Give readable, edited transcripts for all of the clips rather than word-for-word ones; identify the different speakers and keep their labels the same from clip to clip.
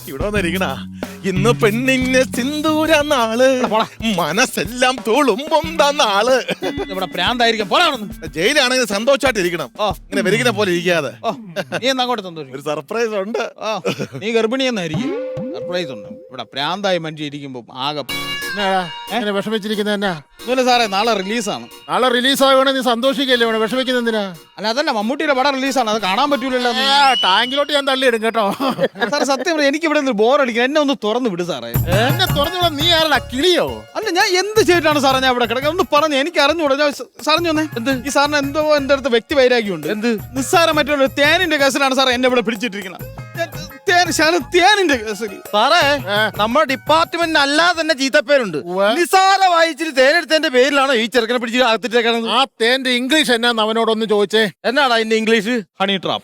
Speaker 1: ഇവിടെ വന്നിരിക്കണ ഇന്ന് പെണ്ണിന് സിന്ദൂര നാള്, മനസ്സെല്ലാം തുളുമ്പുന്ന നാള്.
Speaker 2: ഇവിടെ പ്രാന്തായിരിക്കും.
Speaker 1: ജയിലാണെങ്കിൽ സന്തോഷമായിട്ട് ഇരിക്കണം, ഇങ്ങനെ വെരിക്കുന്ന പോലെ ഇരിക്കാതെ.
Speaker 2: നീ എന്നാ അങ്ങോട്ട് സന്തോഷം.
Speaker 1: ഒരു സർപ്രൈസ് ഉണ്ട്.
Speaker 2: നീ ഗർഭിണിയെന്നായിരിക്കും. സർപ്രൈസ് ഉണ്ട്. ഇവിടെ പ്രാന്തായി മനുഷ്യ ഇരിക്കുമ്പോ ആകെ
Speaker 3: വിഷമിച്ചിരിക്കുന്ന എന്നാ
Speaker 2: സാറേ. നാളെ റിലീസാണ്.
Speaker 3: നാളെ റിലീസ് ആവുകയാണെങ്കിൽ നീ സന്തോഷിക്കല്ലേ, വിഷമിക്കുന്ന എന്തിനാ?
Speaker 2: അല്ല അതല്ല, മമ്മൂട്ടിയുടെ പടം റിലീസാണ്, അത് കാണാൻ പറ്റൂലല്ലോ.
Speaker 3: ടാങ്കിലോട്ട് ഞാൻ തള്ളിയിടും കേട്ടോ.
Speaker 2: സാറേ സത്യം പറയാം, എനിക്ക് ഇവിടെ ബോറടിക്കും. എന്നെ ഒന്ന് തുറന്നു വിട് സാറേ.
Speaker 3: എന്നെ തുറന്നു. നീ ആരടാ, കിളിയോ?
Speaker 2: അല്ല ഞാൻ എന്ത് ചെയ്തിട്ടാണ് സാറേ ഞാൻ ഇവിടെ കിടക്കുക? ഒന്ന് പറഞ്ഞു, എനിക്ക് അറിഞ്ഞൂടാ. സാറിഞ്ഞൊന്നേ എന്ത് ഈ സാറിന് എന്തോ എന്റെ അടുത്ത് വ്യക്തി വൈരാഗ്യമുണ്ട്. എന്ത് നിസ്സാരം മറ്റുള്ള തേനിന്റെ കേസിലാണ് സാറേ എന്നെ ഇവിടെ പിടിച്ചിട്ടിരിക്കുന്നത്. തേനിന്റെ കേസിൽ
Speaker 4: സാറേ, നമ്മുടെ ഡിപ്പാർട്ട്മെന്റിന് അല്ലാതെ തന്നെ ചീത്തപ്പേരുണ്ട്. നിസാര വായിച്ചിട്ട് തേനെടുത്തതിന്റെ പേരിലാണോ ഈ ചെറുക്കനെ പിടിച്ച് അകത്തിട്ടേക്കണത്?
Speaker 3: ആ തേന്റെ ഇംഗ്ലീഷ് എന്നാന്ന് അവനോടൊന്ന് ചോദിച്ചേ.
Speaker 4: എന്നാടാ അതിന്റെ ഇംഗ്ലീഷ്?
Speaker 2: Honey trap.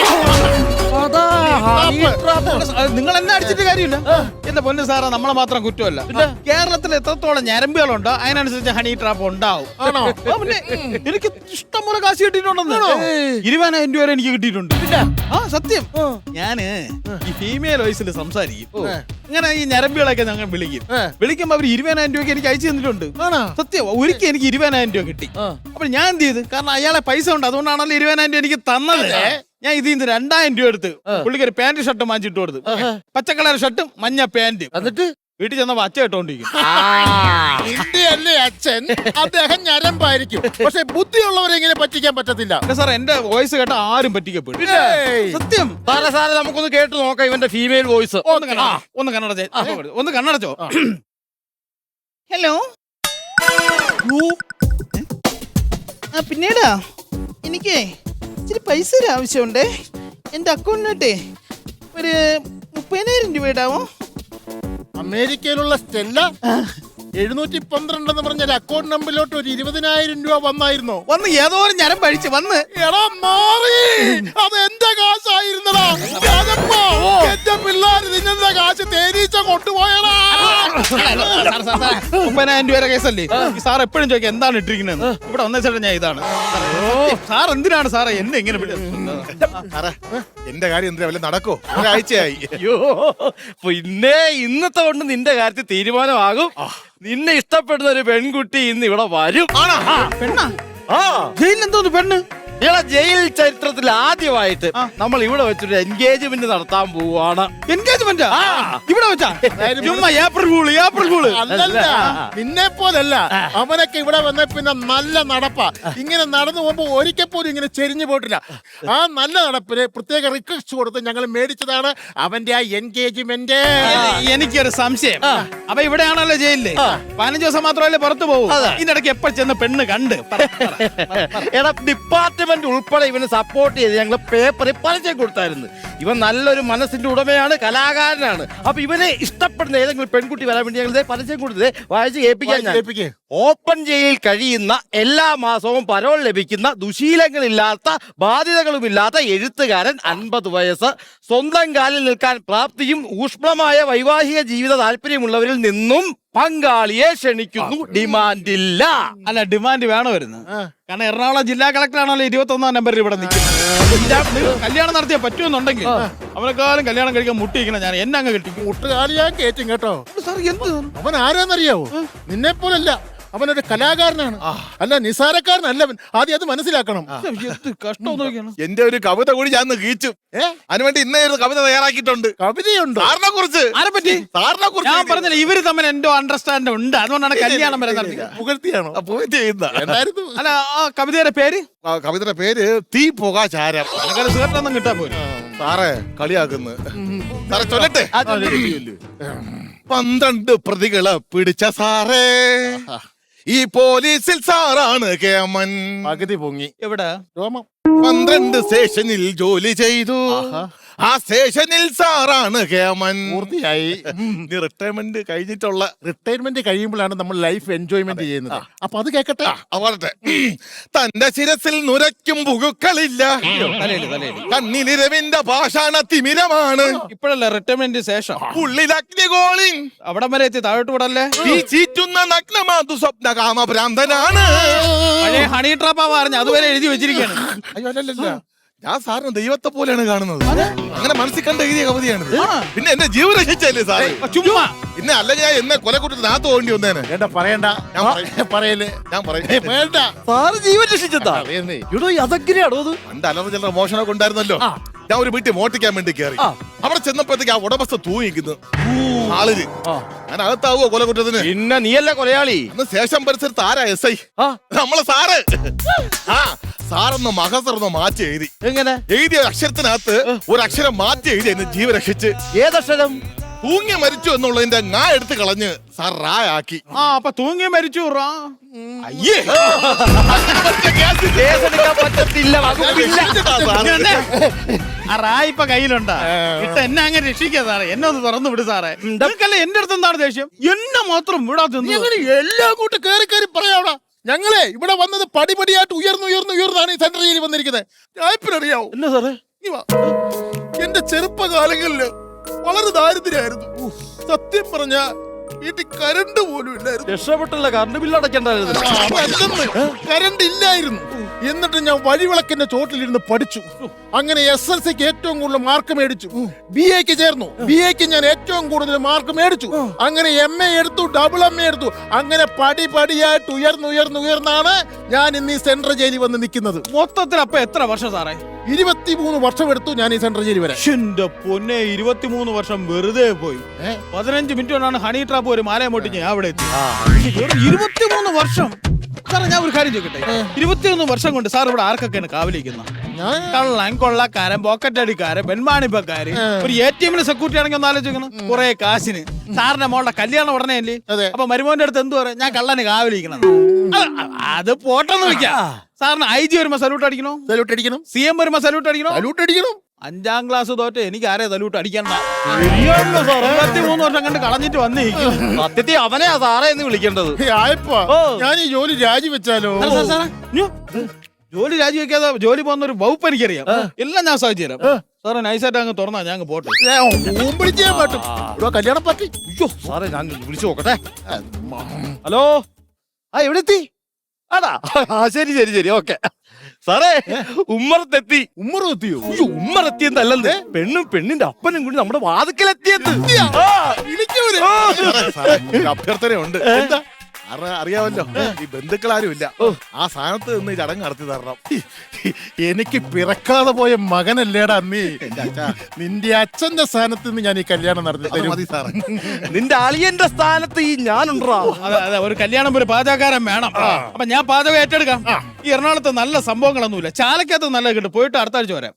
Speaker 2: നിങ്ങൾ എന്നെ അടിച്ചിട്ട് കാര്യമില്ല. എന്റെ പൊന്ന് സാറാ, നമ്മളെ മാത്രം കുറ്റമല്ല. കേരളത്തിൽ എത്രത്തോളം ഞരമ്പുകളുണ്ടോ അതിനനുസരിച്ച് ഹണി ട്രാപ്പ് ഉണ്ടാവും. പിന്നെ എനിക്ക് ഇഷ്ടംപോലെ കാശ് കിട്ടിയിട്ടുണ്ടെന്ന്. 20,000 രൂപ വരെ എനിക്ക് കിട്ടിയിട്ടുണ്ട്. ആ സത്യം. ഞാന് ഈ ഫീമെയിൽ വോയിസിൽ സംസാരിക്കും. ഇങ്ങനെ ഈ ഞരമ്പുകളൊക്കെ ഞങ്ങൾ വിളിക്കുമ്പോ അവർ 20,000 രൂപയ്ക്ക് എനിക്ക് അയച്ചു തന്നിട്ടുണ്ട്. സത്യം. ഒരിക്കൽ എനിക്ക് 20,000 രൂപ കിട്ടി. അപ്പൊ ഞാൻ എന്ത് ചെയ്ത്, കാരണം അയാളെ പൈസ ഉണ്ട്, അതുകൊണ്ടാണല്ലോ 20,000 രൂപ എനിക്ക് തന്നത്. ഞാൻ ഇതിൽ നിന്ന് 2,000 രൂപ എടുത്ത് പുള്ളിക്ക് ഒരു പാന്റ് ഷർട്ട് വാങ്ങിച്ചിട്ട് കൊടുത്തു. പച്ചക്കളർ ഷർട്ടും മഞ്ഞ പാന്റും. എന്നിട്ട് വീട്ടിൽ ചെന്നപ്പോ അച്ഛ ഇട്ടോണ്ടിരിക്കും.
Speaker 3: അല്ലേ അച്ഛൻ? അദ്ദേഹം ഞരമ്പായിരിക്കും, പക്ഷെ ബുദ്ധിയുള്ളവരെ ഇങ്ങനെ പറ്റിക്കാൻ പറ്റത്തില്ല.
Speaker 2: സാർ എന്റെ വോയിസ് കേട്ട ആരും പറ്റിക്കപ്പെടും. സത്യം.
Speaker 4: സാറേ സാറേ, നമുക്കൊന്ന് കേട്ട് നോക്കാം ഇവന്റെ ഫീമെയിൽ വോയിസ്.
Speaker 2: ഒന്ന് കണ്ണടച്ചോ. ഹലോ. പിന്നീടാ എനിക്ക് ഇച്ചിരി പൈസ ആവശ്യമുണ്ടേ. എന്റെ അക്കൗണ്ടിനോട്ടെ ഒരു 30,000 രൂപ ഇടാവോ?
Speaker 3: അമേരിക്കയിലുള്ള സ്റ്റെല്ല 712 എന്ന് പറഞ്ഞ അക്കൗണ്ട് നമ്പറിലോട്ട് ഒരു 20,000 രൂപ വന്നായിരുന്നോ?
Speaker 2: വന്ന് ഏതോ ഒരു ഞരം പഴിച്ച് വന്ന്.
Speaker 3: എടാ മാറി, അത് എന്റെ കാശായിരുന്നടാ. എന്റെ പിള്ളേര് നിന്നെ കാശ് തേനീച്ച കൊണ്ടുപോയടാ.
Speaker 2: 30,000 രൂപ കേസല്ലേ? സാർ എപ്പോഴും ചോദിക്കാം എന്താണ് ഇട്ടിരിക്കുന്നത്. ഇവിടെ വന്ന ചേട്ടാ ഞാൻ ഇതാണ്. സാർ എന്തിനാണ് സാറേ എന്നെ ഇങ്ങനെ
Speaker 1: എന്റെ കാര്യം എന്തിനാ വല്ല നടക്കോ? ഒരാഴ്ചയായി.
Speaker 4: അയ്യോ, പിന്നെ ഇന്നത്തെ കൊണ്ട് നിന്റെ കാര്യത്തിൽ തീരുമാനമാകും. നിന്നെ ഇഷ്ടപ്പെടുന്ന ഒരു പെൺകുട്ടി ഇന്ന് ഇവിടെ വരും.
Speaker 2: പെണ്ണാ?
Speaker 4: ആ,
Speaker 2: എന്തോന്ന് പെണ്ണ്?
Speaker 4: ഇവിടെ ജയിൽ ചരിത്രത്തിൽ ആദ്യമായിട്ട് നമ്മൾ ഇവിടെ വെച്ചൊരു എൻഗേജ്മെന്റ് നടത്താൻ പോവാണ്.
Speaker 2: എൻഗേജ്മെന്റ് ഇവിടെ വെച്ചാ? April fool.
Speaker 3: അല്ലല്ല, നിന്നെ പോലല്ല. അവനൊക്കെ ഇവിടെ വന്ന പിന്നെ നല്ല നടപ്പാ. ഇങ്ങനെ നടന്നു പോകുമ്പോ ഒരിക്കൽ പോലും ഇങ്ങനെ ചെരിഞ്ഞു പോയിട്ടില്ല. ആ നല്ല നടപ്പിന് പ്രത്യേക റിക്വസ്റ്റ് കൊടുത്ത് ഞങ്ങൾ മേടിച്ചതാണ് അവന്റെ ആ എൻഗേജ്മെന്റ്.
Speaker 2: എനിക്കൊരു സംശയം. അപ്പൊ ഇവിടെയാണല്ലോ ജയിലില് 15 ദിവസം മാത്രമല്ലേ പുറത്തു പോകും. ഇതിനിടയ്ക്ക് എപ്പോ ചെന്ന് പെണ്ണ് കണ്ട്
Speaker 4: എടാ, ഡിപ്പാർട്ട്മെന്റ് ഉൾപ്പെടെ ഇവന് സപ്പോർട്ട് ചെയ്ത് ഞങ്ങൾ പേപ്പറിൽ പരസ്യം കൊടുത്തായിരുന്നു. ഇവൻ നല്ലൊരു മനസ്സിന്റെ ഉടമയാണ്, കലാകാരനാണ്. അപ്പൊ ഇവനെ ഇഷ്ടപ്പെടുന്ന ഏതെങ്കിലും പെൺകുട്ടി വരാൻ വേണ്ടി ഞങ്ങൾ പരസ്യം കൊടുത്തത് വായിച്ച് കേൾപ്പിക്കാൻ. ഓപ്പൺ ജയിലിൽ കഴിയുന്ന, എല്ലാ മാസവും പരോൾ ലഭിക്കുന്ന, ദുശീലങ്ങളില്ലാത്ത, ബാധ്യതകളുമില്ലാത്ത എഴുത്തുകാരൻ, 50 വയസ്സ്, സ്വന്തം കാലിൽ നിൽക്കാൻ പ്രാപ്തിയും ഊഷ്മളമായ വൈവാഹിക ജീവിത താല്പര്യമുള്ളവരിൽ നിന്നും പങ്കാളിയെ ക്ഷണിക്കുന്നു. ഡിമാൻഡില്ല.
Speaker 2: അല്ല, ഡിമാൻഡ് വേണോ വരുന്നത്? കാരണം എറണാകുളം ജില്ലാ കളക്ടർ ആണല്ലോ 21ാം നമ്പറിൽ ഇവിടെ നിൽക്കുന്നത്. കല്യാണം നടത്തിയാൽ പറ്റുമെന്നുണ്ടെങ്കിൽ അവനെക്കാളും കല്യാണം കഴിക്കാൻ മുട്ടിയിരിക്കണം. ഞാൻ എന്നെ അങ്ങ് കെട്ടിക്കും.
Speaker 3: മുട്ടുകാലി ഞാൻ കയറ്റും കേട്ടോ.
Speaker 2: സാർ എന്ത്?
Speaker 3: അവൻ ആരാന്നറിയാവോ? നിന്നെ പോലല്ല, അവനൊരു കലാകാരനാണ്. അല്ല, നിസാരക്കാരനല്ല അവൻ. ആദ്യം അത് മനസ്സിലാക്കണം.
Speaker 2: കഷ്ടം നോക്കിയാണ്.
Speaker 1: എന്റെ ഒരു കവിത കൂടി ഞാൻ കീച്ചു. അതിനുവേണ്ടി ഇന്നേ ഒരു കവിത തയ്യാറാക്കിയിട്ടുണ്ട്.
Speaker 3: കവിതയുണ്ട്
Speaker 1: സാറിനെ കുറിച്ച്.
Speaker 2: ആരെ പറ്റി?
Speaker 1: സാറിനെ കുറിച്ച്
Speaker 2: ഞാൻ പറഞ്ഞില്ല, ഇവര് തമ്മിൽ എന്തോ അണ്ടർസ്റ്റാൻഡ് ഉണ്ട്. അതുകൊണ്ടാണ് കല്യാണം വരെ നടത്തി.
Speaker 3: പുകഴ്ത്തിയാണോ?
Speaker 1: എന്തായിരുന്നു
Speaker 2: അല്ല, ആ കവിതയുടെ പേര്?
Speaker 1: കവിതയുടെ പേര് തീ പുകാചാരം.
Speaker 2: സുഖത്തൊന്നും കിട്ടാൻ പോലും.
Speaker 1: സാറേ കളിയാക്കുന്നു. സാറേ ചൊല്ലട്ടെ. 12 പ്രതികളെ പിടിച്ച സാറേ, ഈ പോലീസിൽ സാറാണ് കേമൻ.
Speaker 3: പകുതി പൊങ്ങി.
Speaker 2: എവിടെ?
Speaker 3: രോമം.
Speaker 1: 12 സ്റ്റേഷനിൽ ജോലി ചെയ്തു. ആ സ്റ്റേഷനിൽ സാറാണ് കേമൻ.
Speaker 3: പൂർത്തിയായി.
Speaker 1: റിട്ടയർമെന്റ് കഴിഞ്ഞിട്ടുള്ള.
Speaker 3: റിട്ടയർമെന്റ് കഴിയുമ്പോഴാണ് നമ്മൾ ലൈഫ് എൻജോയ്മെന്റ് ചെയ്യുന്നത്. അപ്പൊ അത് കേക്കട്ടെ.
Speaker 1: അവരുടെ തന്റെ ശിരസിൽ നുരയ്ക്കും പുഴുക്കളില്ല, കണ്ണിലിരവിന്റെ പാഷാണ തിമിരമാണ്.
Speaker 2: ഇപ്പോഴല്ലേ റിട്ടയർമെന്റ് ശേഷം?
Speaker 1: ഉള്ളിൽ അഗ്നികോളിൻ
Speaker 2: അവിടം വരെ എത്തി. താഴോട്ട് വിടല്ലേ?
Speaker 1: ഈ ചീറ്റുന്ന നഗ്നമാതു സ്വപ്ന കാമഭ്രാന്തനാണ്.
Speaker 2: പഴയ ഹണി ട്രാപ്പാ പറഞ്ഞ അതുവരെ എഴുതി വെച്ചിരിക്കുകയാണ്.
Speaker 3: അയ്യോ, അല്ലല്ല,
Speaker 1: ഞാൻ സാറിന് ദൈവത്തെ പോലെയാണ് കാണുന്നത്. അങ്ങനെ മനസ്സിൽ കണ്ട് എഴുതിയ കവിതയാണിത്. പിന്നെ എന്റെ ജീവൻ രക്ഷിച്ചല്ലേ സാറേ?
Speaker 2: ചുമ്മാ
Speaker 1: പിന്നെ അല്ലെങ്കിൽ ഞാൻ എന്നെ കൊലക്കുറ്റത്തിനകത്ത് പോകേണ്ടി വന്നേനെ.
Speaker 3: വേണ്ട പറയണ്ട, പറയല്ലേ,
Speaker 1: ഞാൻ പറയും
Speaker 3: വേണ്ട.
Speaker 4: സാറ് ജീവൻ രക്ഷിച്ചതാ.
Speaker 3: അറിയുന്നേ.
Speaker 4: ഇവിടെ അതെങ്ങനെയാണോ അത്?
Speaker 1: പണ്ട് അലറ ചില്ലറ മോഷണമൊക്കെ ഉണ്ടായിരുന്നല്ലോ. ഞാൻ ഒരു വീട്ടിൽ മോട്ടിക്കാൻ വേണ്ടി കയറി. അവിടെ ചെന്നപ്പോഴത്തേക്ക് ആ ഉടമസ്ഥ തൂങ്ങിക്കുന്നു ആളില്. ഞാൻ അകത്താവോ കൊലക്കുറ്റത്തിന്?
Speaker 4: പിന്നെ നീയല്ല കൊലയാളി.
Speaker 1: അന്ന് ശേഷം പരിസരത്ത് ആരാ SI? നമ്മളെ സാറ്. ആ സാറൊന്ന് മഹസറൊന്ന് മാറ്റി എഴുതി.
Speaker 4: എങ്ങനെ
Speaker 1: എഴുതിയ അക്ഷരത്തിനകത്ത് ഒരു അക്ഷരം മാറ്റി എഴുതി എന്നെ ജീവൻ രക്ഷിച്ച്.
Speaker 4: ഏതക്ഷരം?
Speaker 1: തൂങ്ങി മരിച്ചു എന്നുള്ളതിന്റെ ഞാൻ എടുത്ത് കളഞ്ഞ് സാർ റാ ആക്കി.
Speaker 2: അപ്പൊ തൂങ്ങി മരിച്ചു.
Speaker 1: അയ്യേ
Speaker 4: കേസെടുക്കാൻ പറ്റത്തില്ല, വകുപ്പില്ല.
Speaker 2: ആ റായ് ഇപ്പൊ കയ്യിലുണ്ടാ. ഇട്ട് എന്നെ അങ്ങനെ രക്ഷിക്കാ സാറേ. എന്നെ ഒന്ന് തുറന്നു വിട് സാറേ. നിങ്ങൾക്കല്ലേ എന്റെ അടുത്ത് എന്താണ് ദേഷ്യം? എന്നെ മാത്രം വിടാത്ത
Speaker 3: എല്ലാം കൂട്ട് കയറി കയറി പറയാവടാ. ഞങ്ങളെ ഇവിടെ വന്നത് പടിപടിയായിട്ട് ഉയർന്നാണ് ഈ സെൻട്രൽ ജയിലിൽ വന്നിരിക്കുന്നത്. ഞാനിപ്പറിയാവോ
Speaker 4: എന്നാ സാറേ?
Speaker 3: എന്റെ ചെറുപ്പകാലങ്ങളില് വളരെ ദാരിദ്ര്യായിരുന്നു. സത്യം പറഞ്ഞ വീട്ടിൽ കരണ്ട് പോലും ഇല്ലായിരുന്നു.
Speaker 4: രക്ഷപ്പെട്ടല്ല, കറണ്ട് ബില്ല് അടയ്ക്കണ്ടായിരുന്നു.
Speaker 3: കരണ്ട് ഇല്ലായിരുന്നു. എന്നിട്ട് ഞാൻ വഴിവിളക്കിന്റെ ചോട്ടിലിരുന്ന് പഠിച്ചു. അങ്ങനെ SLCക്ക് ഏറ്റവും കൂടുതൽ മാർക്ക് മേടിച്ചു. BAക്ക് ചേർന്നു. BAക്ക് ഞാൻ ഏറ്റവും കൂടുതൽ മാർക്ക് മേടിച്ചു. അങ്ങനെ MA എടുത്തു, MA എടുത്തു. അങ്ങനെ പടിപടിയായിട്ട് ഉയർന്നാണ് ഞാൻ ഇന്ന് ഈ സെൻട്രൽ ജയിലിൽ വന്ന് നിൽക്കുന്നത്.
Speaker 2: മൊത്തത്തിൽ അപ്പൊ എത്ര വർഷം സാറേ?
Speaker 3: 23 വർഷം എടുത്തു ഞാൻ ഈ സെൻട്രൽ ജയിലിൽ വരെ.
Speaker 2: എന്റെ പൊന്നെ, 23 വർഷം വെറുതെ പോയി. 15 മിനിറ്റ് കൊണ്ടാണ് ഹണി ട്രാപ്പ് ഒരു മാലയെ മോട്ടിച്ച് ഞാൻ അവിടെ എത്തി. 23 വർഷം. സാറേ ഞാൻ ഒരു കാര്യം ചോദിക്കട്ടെ, 23 വർഷം കൊണ്ട് സാർ ഇവിടെ ആർക്കൊക്കെയാണ് കാവലിക്കുന്നത്? കള്ളൻ, കൊള്ളക്കാരൻ, പോക്കറ്റ് അടിക്കാരൻ, പെൺമാണിപ്പക്കാര്, ഒരു ATM സെക്യൂരിറ്റി ആണെങ്കിൽ ഒന്ന് ആലോചിക്കണം. കുറെ കാശിന്. സാറിന്റെ മോളുടെ കല്യാണം ഉടനെ അല്ലേ? അപ്പൊ മരുമോന്റെ അടുത്ത് എന്ത് പറയാം? ഞാൻ കള്ളന് കാവലിക്കണം. അത് പോട്ടെന്ന് വെക്കാം. സാറിന് IG വരുമ്പോ സല്യൂട്ട് അടിക്കണോ?
Speaker 3: സല്യൂട്ട് അടിക്കണം.
Speaker 2: CM വരുമ്പോ സല്യൂട്ട് അടിക്കണോ?
Speaker 3: സല്യൂട്ട് അടിക്കണം.
Speaker 2: 5ാം ക്ലാസ് തോറ്റ് എനിക്ക് ആരെ സല്യൂട്ട് അടിക്കണ്ട. 23 വർഷം കണ്ട് കളഞ്ഞിട്ട് വന്നിരിക്കും.
Speaker 4: സത്യത്തിൽ അവനെയാ സാറേ എന്ന് വിളിക്കേണ്ടത്.
Speaker 3: ഞാൻ ഈ ജോലി രാജിവെച്ചാലോ?
Speaker 2: ജോലി രാജിവെക്കാതെ ജോലി പോകുന്ന ഒരു വകുപ്പ് എനിക്കറിയാം. എല്ലാം ഞാൻ സാധിച്ചു തരാം. സാറേ നൈസായിട്ട് അങ്ങ് തുറന്നാ ഞാൻ അങ്ങ് പോട്ടെ.
Speaker 3: കല്യാണം പറ്റി.
Speaker 4: സാറേ ഞാൻ വിളിച്ചു നോക്കട്ടെ. ഹലോ, എവിടെ എത്തി? ആടാ, ശരി ഓക്കെ. സാറേ ഉമ്മറത്തെത്തി.
Speaker 3: ഉമ്മറെത്തിയോ?
Speaker 4: ഉമ്മറെത്തിയെന്നല്ലേ, പെണ്ണും പെണ്ണിന്റെ അപ്പനും കൂടി നമ്മുടെ വാതിക്കലെത്തിയത്.
Speaker 1: അഭ്യർത്ഥനയുണ്ട്. അറിയാമല്ലോ, ഈ ബന്ധുക്കളാരും ഇല്ല. ആ സ്ഥാനത്ത് നിന്ന് ഈ ചടങ്ങ് നടത്തി തരണം.
Speaker 3: എനിക്ക് പിറക്കാതെ പോയ മകനല്ലേടാ നീ. നിന്റെ അച്ഛന്റെ സ്ഥാനത്ത് നിന്ന് ഞാൻ ഈ കല്യാണം നടത്തി തരും.
Speaker 1: മതി സാറേ.
Speaker 4: നിന്റെ അളിയന്റെ സ്ഥാനത്ത് ഈ ഞാനുണ്ടാ.
Speaker 2: അതെ, ഒരു കല്യാണം ഒരു പാചകക്കാരൻ വേണം. അപ്പൊ ഞാൻ പാചകം ഏറ്റെടുക്കാം. ഈ എറണാകുളത്ത് നല്ല സംഭവങ്ങളൊന്നുമില്ല. ചാലക്കകത്ത് നല്ല കിട്ടും. പോയിട്ട് അടുത്ത ആഴ്ച വരാം.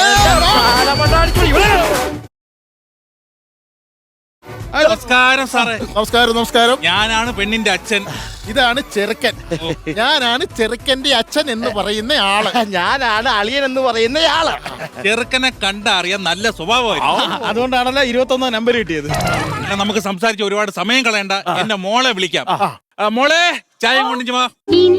Speaker 5: നമസ്കാരം സാറേ.
Speaker 3: നമസ്കാരം.
Speaker 5: ഞാനാണ് പെണ്ണിന്റെ അച്ഛൻ.
Speaker 3: ഇതാണ് ചെറുക്കൻ. ഞാനാണ് ചെറുക്കന്റെ അച്ഛൻ എന്ന് പറയുന്ന ആള്.
Speaker 4: ഞാനാണ് അളിയൻ എന്ന് പറയുന്ന ആള്.
Speaker 5: ചെറുക്കനെ കണ്ടറിയാൻ നല്ല സ്വഭാവമായിരുന്നു.
Speaker 2: അതുകൊണ്ടാണല്ലോ 21 നമ്പർ കിട്ടിയത്.
Speaker 5: നമുക്ക് സംസാരിച്ച് ഒരുപാട് സമയം കളയണ്ട. എന്റെ മോളെ വിളിക്കാം. മോളെ ചായ കൊണ്ടിച്ചു വാ.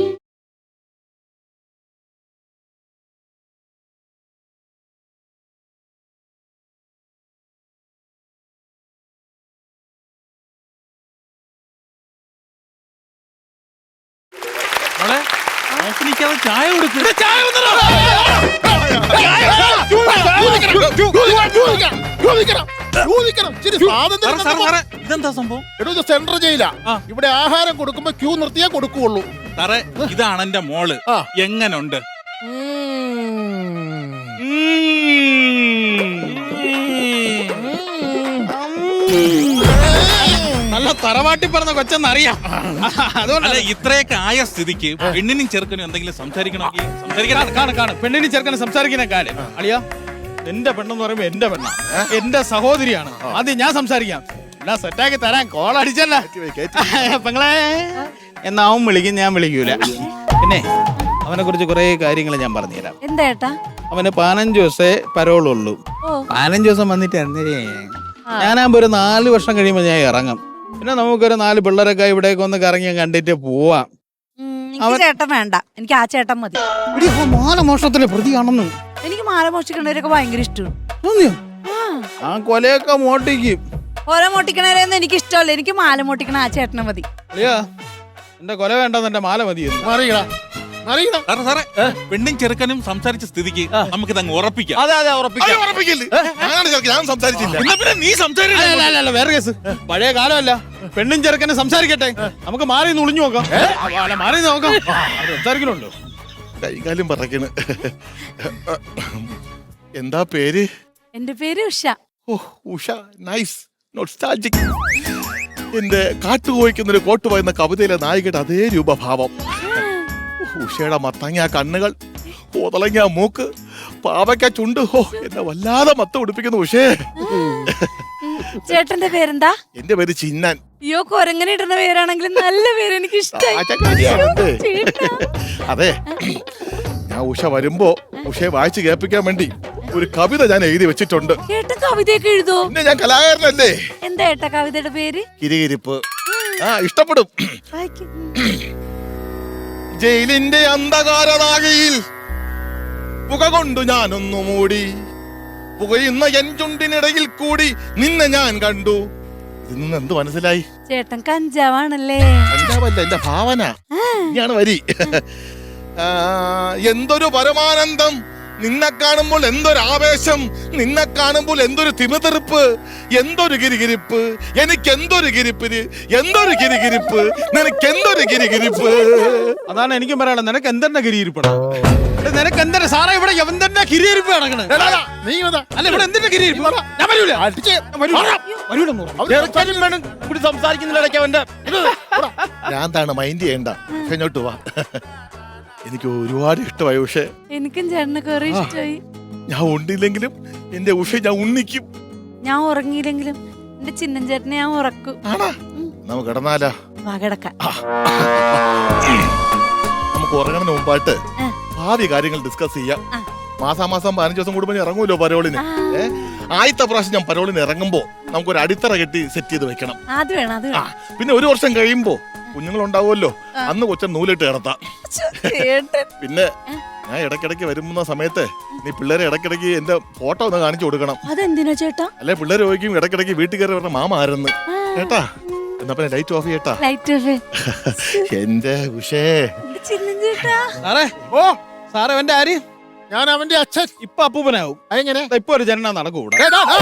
Speaker 5: മോളെ നോക്കിനിക്കാതെ ചായ കൊടുക്കും. ഇതെന്താ സംഭവം?
Speaker 3: സെൻട്രൽ ജയിലാ. ഇവിടെ ആഹാരം കൊടുക്കുമ്പോ ക്യൂ നിർത്തിയേ കൊടുക്കുള്ളൂ.
Speaker 5: സാറേ ഇതാണ് എന്റെ മോള്. എങ്ങനുണ്ട്?
Speaker 2: നല്ല തറവാട്ടി പറഞ്ഞ കൊച്ചെന്നറിയാം.
Speaker 5: അതുകൊണ്ടല്ല ഇത്രയൊക്കെ ആയ സ്ഥിതിക്ക് പെണ്ണിനും ചെറുക്കനും എന്തെങ്കിലും സംസാരിക്കണമെങ്കിൽ സംസാരിക്കണം.
Speaker 2: പെണ്ണിന് ചെറുക്കനും സംസാരിക്കുന്ന കാര്യം അളിയാ. എന്റെ പെണ്ണെന്ന് പറയുമ്പോ എന്റെ പെണ്ണ, എന്റെ സഹോദരിയാണ്. ആദ്യം ഞാൻ സംസാരിക്കാം. എല്ലാം സെറ്റാക്കി തരാൻ കോൾ അടിച്ചല്ല പെങ്ങളെ. എന്നാ അവൻ വിളിക്കും, ഞാൻ വിളിക്കൂല. പിന്നെ അവനെ കുറിച്ച് കുറെ കാര്യങ്ങൾ ഞാൻ പറഞ്ഞുതരാം.
Speaker 6: എന്താ?
Speaker 2: അവന് 15 ദിവസേ പരോളുള്ളൂ. 15 ദിവസം വന്നിട്ട് ഞാനാകുമ്പോ ഒരു 4 വർഷം കഴിയുമ്പോ ഞാൻ ഇറങ്ങും. പിന്നെ നമുക്കൊരു 4 പിള്ളേരൊക്കെ ഇവിടേക്ക് ഒന്ന് കറങ്ങി കണ്ടിട്ട് പോവാം.
Speaker 6: ചേട്ടൻ വേണ്ട, എനിക്ക് ആ ചേട്ടൻ മതി.
Speaker 2: മാനമോഷണത്തിലെ പ്രതിയാണെന്ന്.
Speaker 6: എനിക്ക് മാല മോഷ്ടിക്കണവരൊക്കെ ഭയങ്കര ഇഷ്ടമാണ്.
Speaker 2: ആ കൊലയൊക്കെ മോട്ടിക്കും.
Speaker 6: കൊല മോട്ടിക്കണവരെയൊന്നും എനിക്ക് ഇഷ്ടമല്ല. എനിക്ക് മാല മോട്ടിക്കണ ആ ചേട്ടനെ മതി.
Speaker 2: അളിയാ, എന്റെ കൊല വേണ്ടെന്ന് എന്റെ മാല മതി.
Speaker 3: മാറിയടാ. അറിയണം.
Speaker 5: സാറേ പെണ്ണും ചെറുക്കനും സംസാരിച്ച സ്ഥിതിക്ക് നമുക്കിത് അങ്ങ് ഉറപ്പിക്കാം.
Speaker 4: അതെ
Speaker 1: അയ്യോ,
Speaker 4: ഉറപ്പിക്കാം.
Speaker 1: ഉറപ്പിക്കല്ലേ? ഞാനാണ് ചെറുക്കൻ, ഞാൻ സംസാരിച്ചില്ല.
Speaker 5: എന്നാ പിന്നെ നീ സംസാരിക്കണം.
Speaker 2: അല്ല വേറെ കേസ്. പഴയ കാലമല്ല, പെണ്ണും ചെറുക്കനെ സംസാരിക്കട്ടെ. നമുക്ക് മാറി നിന്ന് ഒളിഞ്ഞു നോക്കാം. മാറി നിന്ന് നോക്കാം. സംസാരിക്കണുണ്ടോ?
Speaker 1: കൈകാലും പറക്കണ്. എന്താ പേര്?
Speaker 6: എന്റെ പേര് ഉഷ.
Speaker 1: ഓ, ഉഷ. Nice, nostalgic. എന്റെ കാട്ടുപോയിക്കുന്നൊരു കോട്ട് പറയുന്ന കവിതയിലെ നായികയുടെ അതേ രൂപഭാവം. ഉഷയുടെ മത്തങ്ങ കണ്ണുകൾ, കോതളങ്ങ മൂക്ക്, പാവയ്ക്ക ചുണ്ട്. ഹോ, എന്നെ വല്ലാതെ മത്ത ഉടുപ്പിക്കുന്നു ഉഷേ.
Speaker 6: ചേട്ടന്റെ പേരെന്താ?
Speaker 1: എന്റെ പേര് ചിന്നാൻ.
Speaker 6: അയ്യോ, കൊരങ്ങനെ ഇടുന്ന പേരാണെങ്കിലും നല്ല പേര്, എനിക്ക് ഇഷ്ടമായി.
Speaker 1: ആചാര്യയാണെന്ത്? അതെ, ഞാൻ ഉഷ വരുമ്പോ ഉഷയെ വായിച്ച് കേൾപ്പിക്കാൻ വേണ്ടി ഒരു കവിത ഞാൻ എഴുതി വെച്ചിട്ടുണ്ട്.
Speaker 6: ചേട്ടൻ കവിതയൊക്കെ എഴുതോ?
Speaker 1: പിന്നെ ഞാൻ കലാകാരനല്ലേ.
Speaker 6: എന്താ ഏട്ടാ കവിതയുടെ പേര്?
Speaker 1: കിരികിരിപ്പ്. ഇഷ്ടപ്പെടും.
Speaker 6: വായിക്ക്.
Speaker 1: ജയിലിന്റെ അന്ധകാരനാകയിൽ പുക കൊണ്ടു ഞാനൊന്നു മൂടി, പുകയുന്ന എൻ ചുണ്ടിനിടയിൽ കൂടി നിന്നെ ഞാൻ കണ്ടു. ഇന്ന് എന്ത് മനസ്സിലായി?
Speaker 6: ചേട്ടൻ കഞ്ചാവാണല്ലേ?
Speaker 1: പഞ്ചാബല്ല, എന്റെ ഭാവന. ഇനിയാണ് വരി. എന്തൊരു പരമാനന്ദം, നിന്നെ കാണുമ്പോൾ എന്തൊരു ആവേശം, നിന്നെ കാണുമ്പോൾ എന്തൊരു തിമിതെറുപ്പ്, എന്തൊരു ഗിരിഗിരിപ്പ്, എനിക്ക് എന്തൊരു ഗിരിപ്പിന്, എന്തൊരു ഗിരിഗിരിപ്പ്, നിനക്ക് എന്തൊരു ഗിരിഗിരിപ്പ്.
Speaker 2: അതാണ് എനിക്കും പറയാനുള്ളത്. നിനക്ക് എന്തെന്നെ ഗിരിയിരിപ്പണം? നിനക്ക് എന്തെന്നെ സാറേ ഇവിടെ എന്തെന്നെ ഗിരിയിരിപ്പ് നടക്കണേ?
Speaker 3: നീ ഇതാ.
Speaker 2: അല്ല, ഇവിടെ എന്തിന്റെ ഗിരിയിരിപ്പ്? ഞാൻ വരൂല.
Speaker 3: അടിച്ച്
Speaker 2: വരൂലെന്ന് പറഞ്ഞു.
Speaker 4: ചെറുക്കനും പെണ്ണും കൂടി സംസാരിക്കുന്നില്ല ഇടയ്ക്ക് അവന്റെ.
Speaker 1: ഞാന്താണ് മൈൻഡ് ചെയ്യണ്ട. പക്ഷെ ഇങ്ങോട്ട് വാ. എനിക്ക് ഒരുപാട് ഇഷ്ടമായി ഉഷേ.
Speaker 6: എനിക്കും ചേട്ടനെ കുറെ ഇഷ്ടമായി.
Speaker 1: ഞാൻ ഉണ്ടില്ലെങ്കിലും എന്റെ ഉഷ ഞാൻ ഉണ്ണിക്കും.
Speaker 6: ഞാൻ ഉറങ്ങിയില്ലെങ്കിലും എന്റെ ചിന്നൻ ചേട്ടനെ ഞാൻ ഉറക്കും.
Speaker 1: ആണാ? നമുക്ക് കിടന്നാലാ?
Speaker 6: വാ കിടക്കാം.
Speaker 1: നമുക്ക് ഉറങ്ങുന്നതിന് മുമ്പായിട്ട് ഭാവി കാര്യങ്ങൾ ഡിസ്കസ് ചെയ്യാം. മാസാമാസം 15 ദിവസം കൂടുമ്പോൾ ഇറങ്ങൂല്ലോ പരോളിന്. ആദ്യത്തെ പ്രാവശ്യം ഞാൻ പരോളിന് ഇറങ്ങുമ്പോ നമുക്കൊരു അടിത്തറ കെട്ടി സെറ്റ് ചെയ്ത് വെക്കണം.
Speaker 6: അത് വേണം, അത് വേണം.
Speaker 1: പിന്നെ ഒരു വർഷം കഴിയുമ്പോ കുഞ്ഞുങ്ങളുണ്ടാവുമല്ലോ, അന്ന് കൊച്ചൻ നൂലിട്ട് കിടത്താം.
Speaker 6: ചേട്ടൻ
Speaker 1: പിന്നെ ഞാൻ ഇടയ്ക്കിടയ്ക്ക് വരുന്ന സമയത്ത് നീ പിള്ളേരെ ഇടയ്ക്കിടയ്ക്ക് എന്റെ ഫോട്ടോ ഒന്ന് കാണിച്ചു കൊടുക്കണം.
Speaker 6: അതെന്തിനാ ചേട്ടാ?
Speaker 1: അല്ലെ പിള്ളേർ ചോദിക്കും ഇടയ്ക്കിടയ്ക്ക് വീട്ടിൽ കയറി പറഞ്ഞ മാമ ആരെന്ന്. കേട്ടാ? എന്നാ പിന്നെ ലൈറ്റ് ഓഫ് ചെയ്യട്ടാ.
Speaker 6: Light off.
Speaker 1: എന്റെ ഉഷേ.
Speaker 6: എന്റെ ചിന്നൻ ചേട്ടാ.
Speaker 2: സാറേ, സാറേ എന്റെ ആര്?
Speaker 3: ഞാൻ അവന്റെ അച്ഛൻ.
Speaker 2: ഇപ്പൊ അപ്പൂപ്പനാവും.
Speaker 3: അതെങ്ങനെ?
Speaker 2: ഇപ്പൊ ഒരു ജനന നടക്കൂടാ.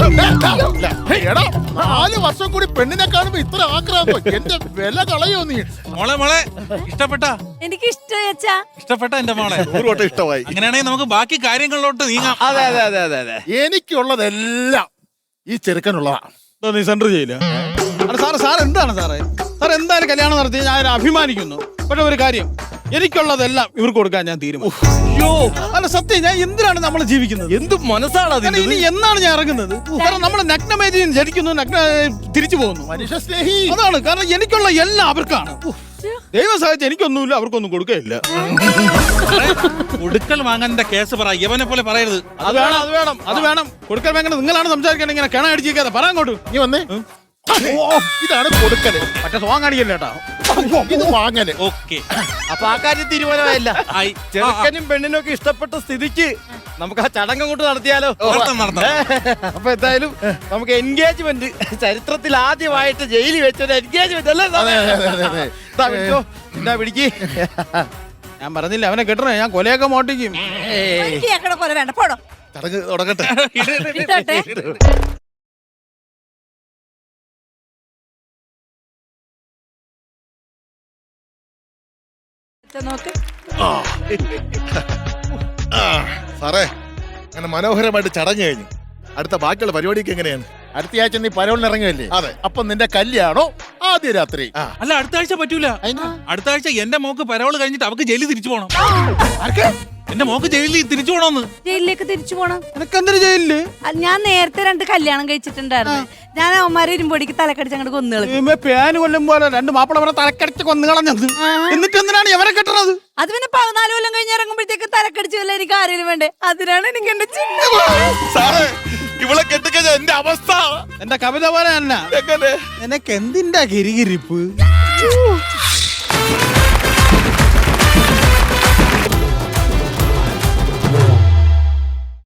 Speaker 3: 4 വർഷം കൂടി പെണ്ണിനെ കാണുമ്പോ ഇത്ര ആക്രാന്തോ? എന്റെ വില കളയോ നീ?
Speaker 5: മോളെ ഇഷ്ടപ്പെട്ട?
Speaker 6: എനിക്ക് ഇഷ്ടമായി അച്ഛാ.
Speaker 5: ഇഷ്ടപ്പെട്ട എന്റെ മോളെ?
Speaker 1: 100 വട്ടം ഇഷ്ടമായി.
Speaker 5: അങ്ങനെയാണെങ്കിൽ നമുക്ക് ബാക്കി കാര്യങ്ങളിലോട്ട് നീങ്ങാം.
Speaker 4: അതെ.
Speaker 3: എനിക്കുള്ളതെല്ലാം ഈ ചെറുക്കനുള്ളതാ.
Speaker 2: നീ സെന്റർ ചെയ്യില്ല. സാർ എന്താണ് സാറേ? സാർ എന്തായാലും കല്യാണം നടത്തി ഞാൻ അഭിമാനിക്കുന്നു. പക്ഷെ ഒരു കാര്യം, എനിക്കുള്ളതെല്ലാം ഇവർക്ക് കൊടുക്കാൻ ഞാൻ തീരുമാനിച്ചു. അല്ല സത്യം, ഞാൻ എന്തിനാണ് നമ്മൾ ജീവിക്കുന്നത്?
Speaker 4: എന്ത് മനസ്സാണ് അതിന്?
Speaker 2: ഇനി എന്നാണ് ഞാൻ ഇറങ്ങുന്നത്? കാരണം നമ്മൾ നഗ്നമേതിയും ജനിക്കുന്നു, തിരിച്ചു പോകുന്നു.
Speaker 3: മനുഷ്യ സ്നേഹി.
Speaker 2: അതാണ് കാരണം. എനിക്കുള്ള എല്ലാം അവർക്കാണ്. ദൈവം സഹായിച്ച് എനിക്കൊന്നുമില്ല, അവർക്കൊന്നും കൊടുക്കുകയില്ല.
Speaker 5: കൊടുക്കൽ വാങ്ങാന്റെ കേസ് പറ, യവനെ പോലെ പറയരുത്.
Speaker 2: അത് വേണം. കൊടുക്കൽ വാങ്ങാൻ നിങ്ങളാണ് സംസാരിക്കാൻ. ഇങ്ങനെ കിണ അടിച്ചിരിക്കാതെ പറയാൻ അങ്ങോട്ട്.
Speaker 3: നീ വന്നേ. ഇതാണ് കൊടുക്കല്.
Speaker 2: മറ്റേ സോങ് കാണിക്കല്ലേ കേട്ടോ.
Speaker 3: ഇത് വാങ്ങല്.
Speaker 5: ഓക്കെ,
Speaker 4: അപ്പൊ ആ കാര്യം തീരുമാനമായില്ല.
Speaker 5: ആയി.
Speaker 4: ചെറുക്കനും പെണ്ണിനും ഒക്കെ ഇഷ്ടപ്പെട്ട സ്ഥിതിക്ക് നമുക്ക് ആ ചടങ്ങ് കൊണ്ട് നടത്തിയാലോ?
Speaker 5: നടത്താം.
Speaker 4: അപ്പൊ എന്തായാലും നമുക്ക് എൻഗേജ്മെന്റ്, ചരിത്രത്തിൽ ആദ്യമായിട്ട് ജയിലിൽ വെച്ചൊരു എൻഗേജ്മെന്റ് അല്ലേ? എന്താ പിടിക്ക്.
Speaker 2: ഞാൻ പറഞ്ഞില്ല അവനെ കെട്ടണേ, ഞാൻ കൊലയൊക്കെ മോട്ടിക്കും.
Speaker 6: എനിക്ക് ഞങ്ങളുടെ കൊല വേണ്ട, പോടോ.
Speaker 1: ചടങ്ങ് തുടങ്ങട്ടെ.
Speaker 6: ഇട്ടോട്ടെ. നോക്ക്.
Speaker 1: സാറേ, അങ്ങനെ മനോഹരമായിട്ട് ചടങ്ങ് കഴിഞ്ഞു. അടുത്ത ബാക്കിയുള്ള പരിപാടിക്ക് എങ്ങനെയാണ്?
Speaker 3: അടുത്ത ആഴ്ച നീ പരോളിന് ഇറങ്ങുമല്ലേ?
Speaker 1: അതെ.
Speaker 3: അപ്പൊ നിന്റെ കല്യാണോ ആദ്യ രാത്രി?
Speaker 5: അല്ല, അടുത്ത ആഴ്ച പറ്റൂല. അടുത്ത ആഴ്ച എന്റെ മോക്ക് പരോള് കഴിഞ്ഞിട്ട് അവക്ക് ജയിലിൽ തിരിച്ചു പോകണം. എന്റെ മോക്ക് ജയിലിൽ തിരിച്ചു പോണോന്ന്.
Speaker 6: ജയിലിലേക്ക് തിരിച്ചു പോണം.
Speaker 2: എനക്കെന്തൊരു ജയിലില്?
Speaker 6: ഞാൻ നേരത്തെ 2 കല്യാണം കഴിച്ചിട്ടുണ്ടായിരുന്നു. ഞാൻ അവന്മാരെ ഇരുമ്പൊടിക്ക് തലക്കടിച്ച് അങ്ങോട്ട് കൊന്നുകളി.
Speaker 2: പേന് കൊല്ലും പോലെ 2 മാപ്പിളവരെ തലക്കടിച്ച് കൊന്നുകളഞ്ഞത്. എന്നിട്ട് എന്തിനാണ് എവരെ കെട്ടണത്?
Speaker 6: അത് പിന്നെ 14 കൊല്ലം കഴിഞ്ഞ് ഇറങ്ങുമ്പോഴത്തേക്ക് തലക്കടിച്ച് വല്ല എനിക്ക് ആരെങ്കിലും വേണ്ടേ? അതിനാണ് എനിക്ക് എന്റെ ചിന്ന.
Speaker 1: സാറേ, ഇവളെ കെട്ടിക്കഴിഞ്ഞ എന്റെ അവസ്ഥ
Speaker 2: എന്റെ കവിത പോലെ തന്നെ.
Speaker 1: എങ്ങനെ?
Speaker 2: നിനക്ക് എന്തിന്റെ ഗിരിഗിരിപ്പ്?